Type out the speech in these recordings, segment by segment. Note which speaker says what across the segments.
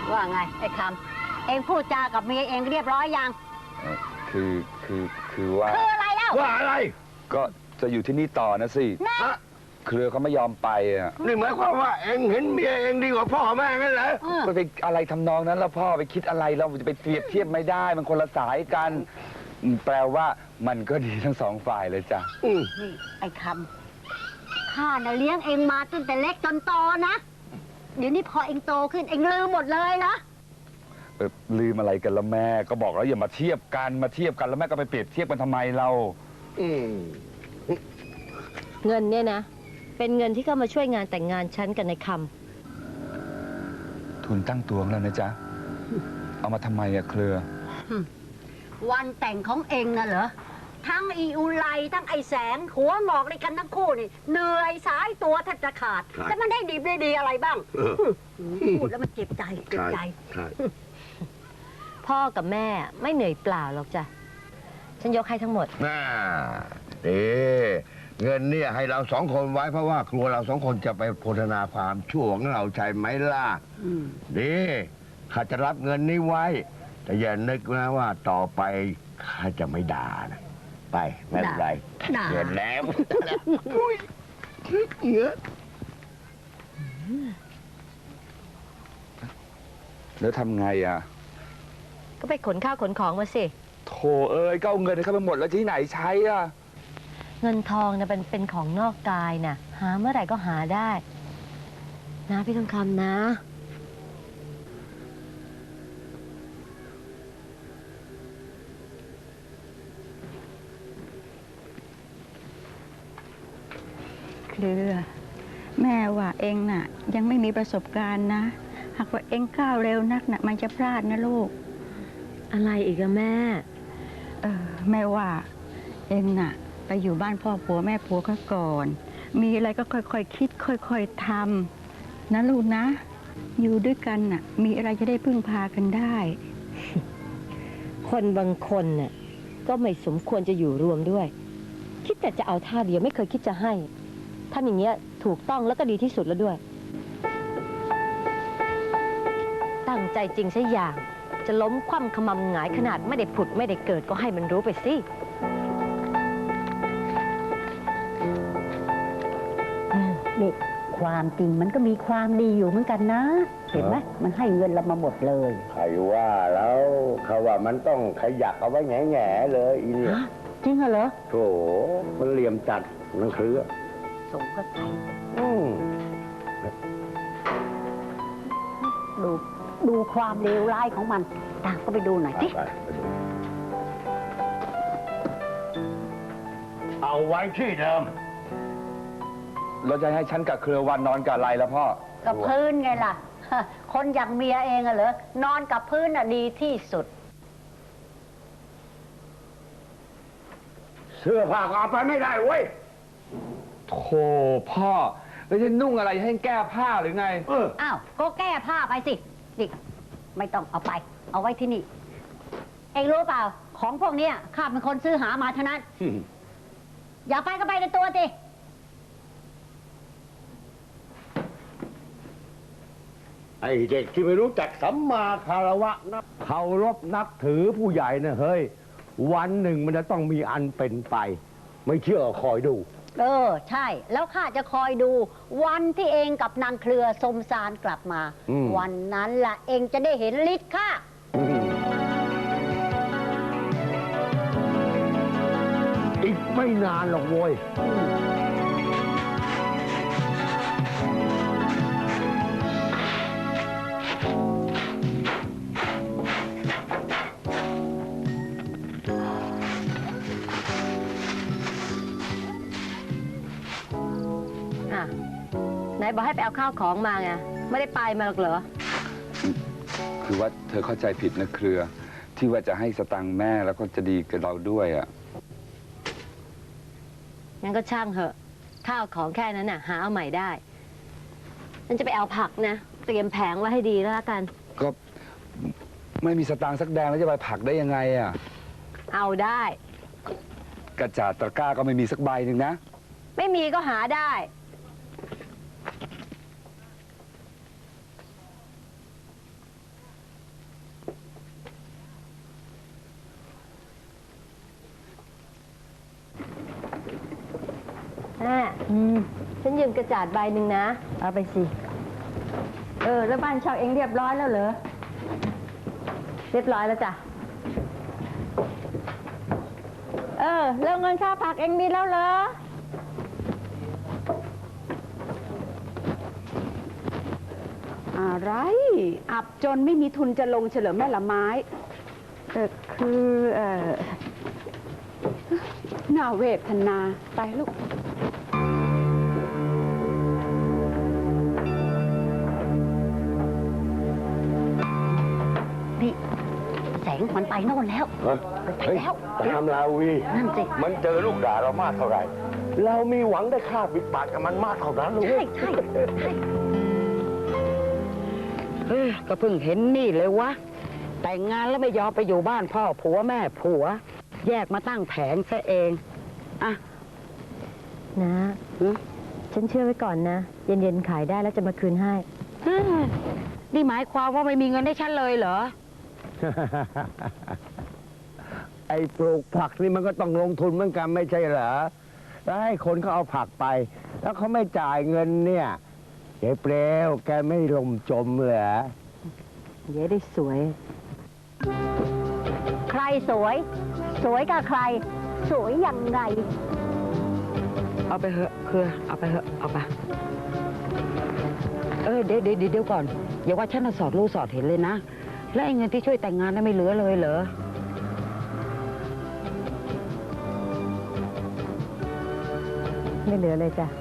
Speaker 1: ว่าไงไอ้คำเองพูดจากับเมียเองเรียบร้อยยัง
Speaker 2: คือว่า
Speaker 1: คืออะไรเล่า
Speaker 3: ว่าอะไร
Speaker 2: ก็จะอยู่ที่นี่ต่อนะสิเครือเขาไม่ยอมไปอ่ะ
Speaker 3: นี่หมายความว่าเองเห็นเมียเองดีกว่าพ่อแม่งั้นเหรอ
Speaker 2: ไปอะไรทำนองนั้นแล้วพ่อไปคิดอะไรเราจะไปเปรียบเทียบไม่ได้มันคนละสายกันแปลว่ามันก็ดีทั้งสองฝ่ายเลยจ้ะ
Speaker 1: นี่ไอ้คำข้าน่ะเลี้ยงเองมาตั้งแต่เล็กจนโตนะเดี๋ยวนี้พอเองโตขึ้นเองลืมหมดเลยนะ
Speaker 2: ลืมอะไรกันแล้วแม่ก็บอกแล้วอย่ามาเทียบกันแล้วแม่ก็ไปเปรียบเทียบกันทำไมเรา
Speaker 4: เงินเนี่ยนะเป็นเงินที่เข้ามาช่วยงานแต่งงานฉันกับนายคำ
Speaker 2: ทุนตั้งตัวแล้วนะจ๊ะเอามาทำไมอะเครือ
Speaker 1: วันแต่งของเองน่ะเหรอทั้งอีอุไลทั้งไอแสงหัวหมอกในกันทั้งคู่นี่เหนื่อยสายตัวแทบจะขาดแล้วมันได้ดีอะไรบ้างพูดแล้วมันเจ็บใจ
Speaker 4: พ่อกับแม่ไม่เหนื่อยเปล่าหรอกจ้ะฉันยกให้ทั้งหมด
Speaker 3: เงินเนี่ยให้เรา2 คนไว้เพราะว่าครัวเรา2 คนจะไปโฆษณาความชั่วของเราใช่ไหมล่ะข้าจะรับเงินนี้ไว้แต่อย่านึกนะว่าต่อไปข้าจะไม่ด่านะไปไม่เป็นไรเงินแล้ว
Speaker 2: แล้วทำไงอ่ะ
Speaker 4: ก็ไปขนข้าวขนของมาสิ
Speaker 2: โถเอ้ยก็เอาเงินเข้าไปหมดแล้วที่ไหนใช้อ่ะ
Speaker 4: เงินทองนะเป็นของนอกกายน่ะหาเมื่อไหร่ก็หาได้นะพี่ทองคำนะ
Speaker 5: เครือแม่ว่าเองน่ะยังไม่มีประสบการณ์นะหากว่าเองก้าวเร็วนักน่ะมันจะพลาดนะลูก
Speaker 4: อะไรอีกอะแม่
Speaker 5: แม่ว่าเองน่ะไปอยู่บ้านพ่อผัวแม่ผัวเขาก่อนมีอะไรก็ค่อยๆคิดค่อยๆทำนะลูกนะอยู่ด้วยกันน่ะมีอะไรจะได้พึ่งพากันได้
Speaker 4: คนบางคนน่ะก็ไม่สมควรจะอยู่รวมด้วยคิดแต่จะเอาท่าเดียวไม่เคยคิดจะให้ทำอย่างเงี้ยถูกต้องแล้วก็ดีที่สุดแล้วด้วยตั้งใจจริงใช่อย่างจะล้มคว่ำขมำหงายขนาดไม่ได้ผุดไม่ได้เกิดก็ให้มันรู้ไปสิ
Speaker 1: นี่ความจริงมันก็มีความดีอยู่เหมือนกันนะเห็นไหมมันให้เงินเรามาหมดเลย
Speaker 3: ใครว่าแล้วเขาว่ามันต้องขยักเอาไว้แง่ๆเลยอีเนี่ย
Speaker 1: จริงเหรอ
Speaker 3: โถมันเหลี่ยมจัดมันเครือ
Speaker 1: สงก็ใจดูความเลวร้ายของมันตามก็ไปดูหน่อยสิ
Speaker 3: เอาไว้ที่เดิม
Speaker 2: เราจะให้ฉันกับเครือวันนอนกับอะไรแล้วพ่อ
Speaker 1: กับพื้นไงล่ะคนอย่างเมียเองอะเหรอนอนกับพื้นอะดีที่สุด
Speaker 3: เสื้อผ้าก็เอาไปไม่ได้เว้ย
Speaker 2: โธ่พ่อแล้วจะนุ่งอะไรให้แก้ผ้าหรือไง
Speaker 1: อ้าวก็แก้ผ้าไปสิดิไม่ต้องเอาไปเอาไว้ที่นี่เองรู้เปล่าของพวกนี้ข้าเป็นคนซื้อหามาเท่านั้นอย่าไปก็ไปในตัวสิ
Speaker 3: ไอ้เด็กที่ไม่รู้จักสัมมาคารวะนะเคารพนับถือผู้ใหญ่นะเฮ้ยวันหนึ่งมันจะต้องมีอันเป็นไปไม่เชื่อคอยดู
Speaker 1: ใช่แล้วข้าจะคอยดูวันที่เองกับนางเครือสมสารกลับมาวันนั้นล่ะเองจะได้เห็นฤทธิ์ข้า
Speaker 3: อีกไม่นานหรอกโว้ย
Speaker 4: ไหนบอกให้ไปเอาข้าวของมาไงไม่ได้ไปมาหรอกเหรอ
Speaker 2: คือว่าเธอเข้าใจผิดนะเครือที่ว่าจะให้สตังค์แม่แล้วก็จะดีกับเราด้วยอ่ะ
Speaker 4: งั้นก็ช่างเหอะข้าวของแค่นั้นน่ะหาเอาใหม่ได้ฉันจะไปเอาผักนะเตรียมแผงไว้ให้ดีแล้วละกัน
Speaker 2: ก็ไม่มีสตังค์สักแดงแล้วจะไปผักได้ยังไงอ่ะ
Speaker 4: เอาได้
Speaker 2: กระจาดตะกร้าก็ไม่มีสักใบหนึ่งนะ
Speaker 4: ไม่มีก็หาได้ฉันยืมกระจาดใบหนึ่งนะ
Speaker 5: เอาไปสิ แล้วบ้านเช่าเองเรียบร้อยแล้วเหรอ
Speaker 4: เรียบร้อยแล้วจ้ะ
Speaker 5: แล้วเงินค่าผักเองมีแล้วเหรอ
Speaker 6: อะไร อับจนไม่มีทุนจะลงเฉลิมแม่ละไม้ น่าเวทนาไปลูก
Speaker 1: นี่แสงมันไปโน่นแล้ว ไปแล้ว
Speaker 3: ตามลาวี
Speaker 1: นั่นสิ
Speaker 3: มันเจอลูกด่าเรามากเท่าไหร่ เรามีหวังได้ค่าปิดปากกับมันมากเท่านั้นลูก
Speaker 1: ใช่ใช่ใช่
Speaker 6: ก็เพิ่งเห็นนี่เลยวะ แต่งงานแล้วไม่ยอมไปอยู่บ้านพ่อผัวแม่ผัว แยกมาตั้งแผงซะเองอ่ะ
Speaker 4: นะ ฉันเชื่อไว้ก่อนนะ เย็นๆขายได้แล้วจะมาคืนให้
Speaker 6: นี่หมายความว่าไม่มีเงินให้ฉันเลยเหรอ
Speaker 3: ไอ้ปลูกผักนี่มันก็ต้องลงทุนเหมือนกันไม่ใช่เหรอ แล้วให้คนเขาเอาผักไป แล้วเขาไม่จ่ายเงินเนี่ยเจ๊เปลวแกไม่ลมจมเหรอ
Speaker 4: เดี๋ยวได้สวย
Speaker 1: ใครสวย สวยกับใคร สวยยังไง
Speaker 6: เอาไปเถอะคือเอาไปเถอะเอาไปเดี๋ยวก่อนอย่าว่าฉันน่ะสอดรู้สอดเห็นเลยนะ แล้วไอ้เงินที่ช่วยแต่งงานนั้นไม่เหลือเลยเหรอ
Speaker 4: ไม่เหลือเลยจ้ะ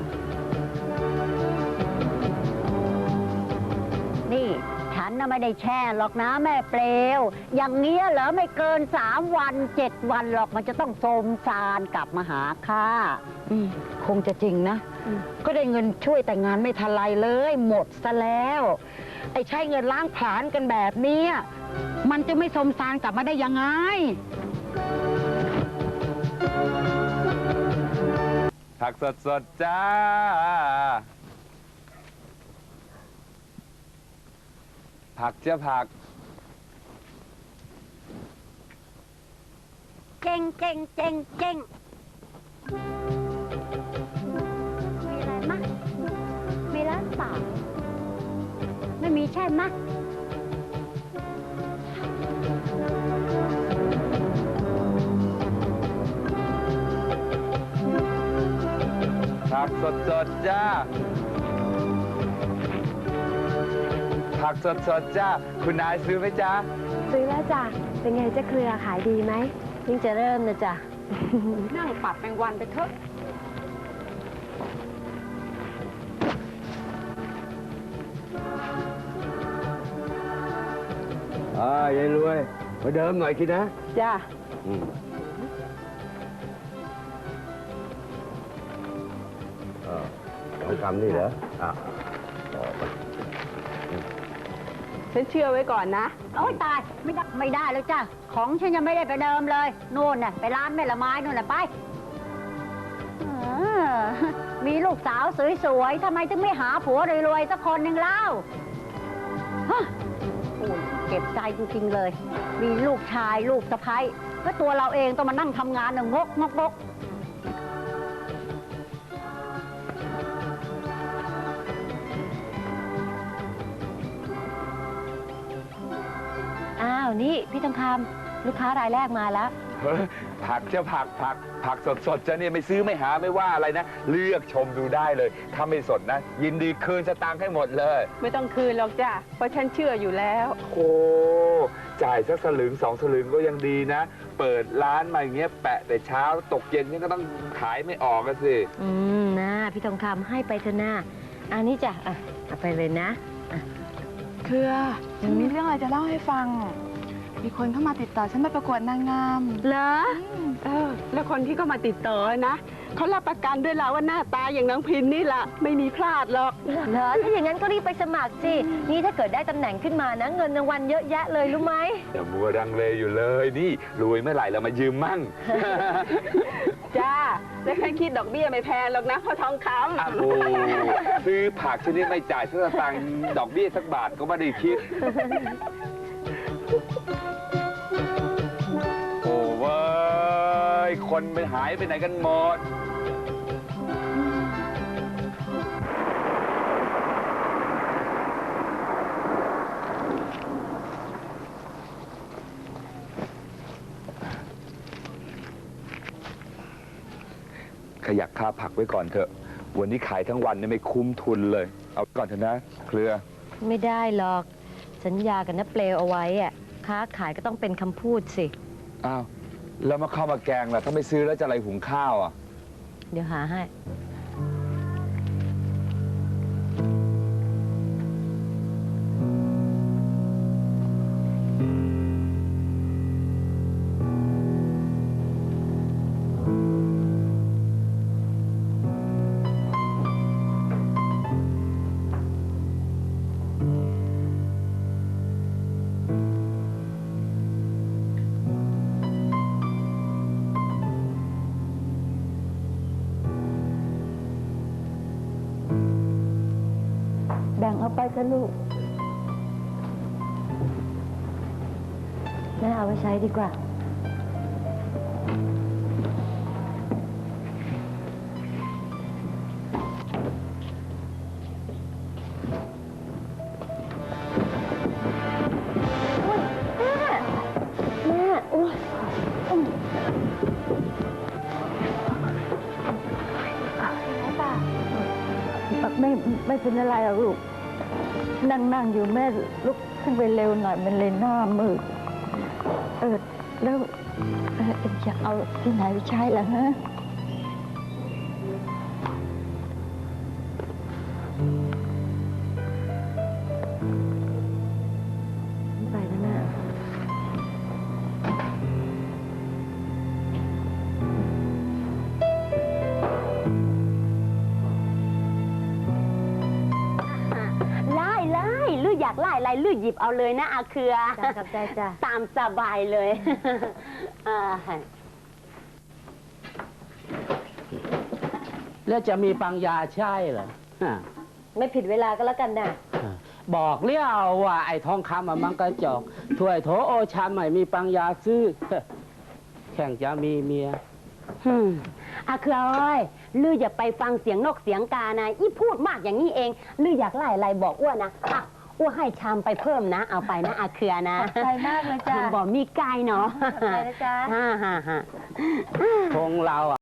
Speaker 1: นี่ฉันน่ะไม่ได้แช่หรอกนะแม่เปลว อย่างเงี้ยเหรอไม่เกิน3 วัน 7 วันหรอกมันจะต้องโทรมซานกลับมาหาข้า
Speaker 6: คงจะจริงนะ ก็ได้เงินช่วยแต่งงานไม่ทันไรเลย หมดซะแล้ว ไอ้ใช้เงินล้างผลาญกันแบบเนี้ยมันจะไม่สมสารกลับมาได้ยังไง
Speaker 2: ผักสดๆจ้า ผักจ้าผัก
Speaker 1: เจ๊งเจ๊งเจ๊งเจ๊งมีอะไรมะมีร้านเปล่าไม่มีใช่มะ
Speaker 2: ผักสดๆจ้า ผักสดๆจ้า คุณนายซื้อไหมจ้า
Speaker 4: ซื้อแล้วจ้ะ เป็นไงจะเครือขายดีไหมเพิ่งจะเริ่มนะจ๊ะ
Speaker 6: นั่งปัดแมงวันไปเถอะ
Speaker 3: ยายรวยมาเดิมหน่อยคิดนะ
Speaker 6: จ้า
Speaker 3: ต้องทำนี่เหรอ
Speaker 6: ฉันเชื่อไว้ก่อนนะ
Speaker 1: โอ้ยตายไม่ได้แล้วจ้ะของฉันยังไม่ได้ไปเดิมเลยนู่นน่ะไปร้านแม่ละไม้นู่นน่ะไปมีลูกสาวสวยๆทำไมถึงไม่หาผัวรวยๆสักคนหนึ่งเล่าฮะโอ้ยเก็บใจจริงๆเลย มีลูกชายลูกสะใภ้ก็ตัวเราเองต้องมานั่งทำงานงกงก
Speaker 4: อ้าว นี่พี่ทองคำลูกค้ารายแรกมาแล้ว
Speaker 2: เฮ้ยผักจ้าผักสดๆจ้าเนี่ยไม่ซื้อไม่หาไม่ว่าอะไรนะ เลือกชมดูได้เลย ถ้าไม่สดนะ ยินดีคืนสตางค์ให้หมดเลย
Speaker 6: ไม่ต้องคืนหรอกจ้ะเพราะฉันเชื่ออยู่แล้ว
Speaker 2: โอ้จ่ายสักสลึง2 สลึงก็ยังดีนะ เปิดร้านมาอย่างเงี้ยแปะแต่เช้าตกเย็นนี่ก็ต้องขายไม่ออกกันสิ
Speaker 4: นะพี่ทองคำให้ไปเถอะนะอันนี้จ้ะเอาไปเลยนะ
Speaker 7: เครือฉันมีเรื่องอะไรจะเล่าให้ฟัง มีคนเข้ามาติดต่อฉันไปประกวดนางงาม
Speaker 4: เหรอ
Speaker 6: แล้วคนที่เขามาติดต่อนะเขารับประกันด้วยแล้วว่าหน้าตาอย่างน้องพินนี่แหละไม่มีพลาดหรอก
Speaker 4: เหรอ ถ้าอย่างนั้นก็รีบไปสมัครสิ นี่ถ้าเกิดได้ตำแหน่งขึ้นมานะ เงินรางวัลเยอะแยะเลยรู้ไหม
Speaker 2: อย่ามัวดังเลอยู่เลยนี่รวยเมื่อไหร่เรามายืมมั่ง
Speaker 6: จ้าแล้วฉันคิดดอกเบี้ยไม่แพงหรอกนะเพราะทองค
Speaker 2: อ้าวโอ้ซื้อผักชนิดไม่จ่ายสักสตางค์ดอกเบี้ยสักบาทก็ไม่ได้คิด โอ้เว้ยคนไปหายไปไหนกันหมดยักค่าผักไว้ก่อนเถอะ วันนี้ขายทั้งวันเนี่ยไม่คุ้มทุนเลย เอาก่อนเถอะนะเครือ
Speaker 4: ไม่ได้หรอก สัญญากับน้าเปลวเอาไว้อะค้าขายก็ต้องเป็นคำพูดสิ
Speaker 2: อ้าวแล้วมาเข้าวมาแกงล่ะถ้าไม่ซื้อแล้วจะอะไรหุงข้าวอ่ะ
Speaker 4: เดี๋ยวหาให้
Speaker 5: แบ่งเอาไปเถอะลูก
Speaker 4: แม่เอาไว้ใช้ดีกว่า
Speaker 5: ไม่เป็นอะไรหรอกลูก นั่งอยู่แม่ลุกขึ้นไปเร็วหน่อยมันเลยหน้ามืดแล้วจะเอาที่ไหนไปใช้ล่ะฮะ
Speaker 4: ไปแล้วแม่
Speaker 8: ไล่ลืออยากไล่อะไรลือหยิบเอาเลยนะอาเครือ
Speaker 4: จ้ากับใจจ้า
Speaker 8: ตามสบายเลย
Speaker 9: แล้วจะมีปังยาใช่เหรอฮะ
Speaker 4: ไม่ผิดเวลาก็แล้วกันนะ
Speaker 9: บอกเลี้ยวว่าไอ้ทองคำมันกระจอกถ้วยโถโอชามไม่มีปังยาซื้อ แข่งจะมีเมีย
Speaker 8: อาเครือเอ้ยลืออย่าไปฟังเสียงนกเสียงกานะอีพูดมากอย่างนี้เองลืออยากไล่อะไรบอกอ้วนนะอ่ะอ้วนให้ชามไปเพิ่มนะ เอาไปนะอาเครือนะ
Speaker 4: ขอบใจมากเลยจ้า
Speaker 8: บอกมีไกลเนาะ
Speaker 4: ขอบใจนะจ๊ะ
Speaker 8: ฮ่า
Speaker 9: คงเรา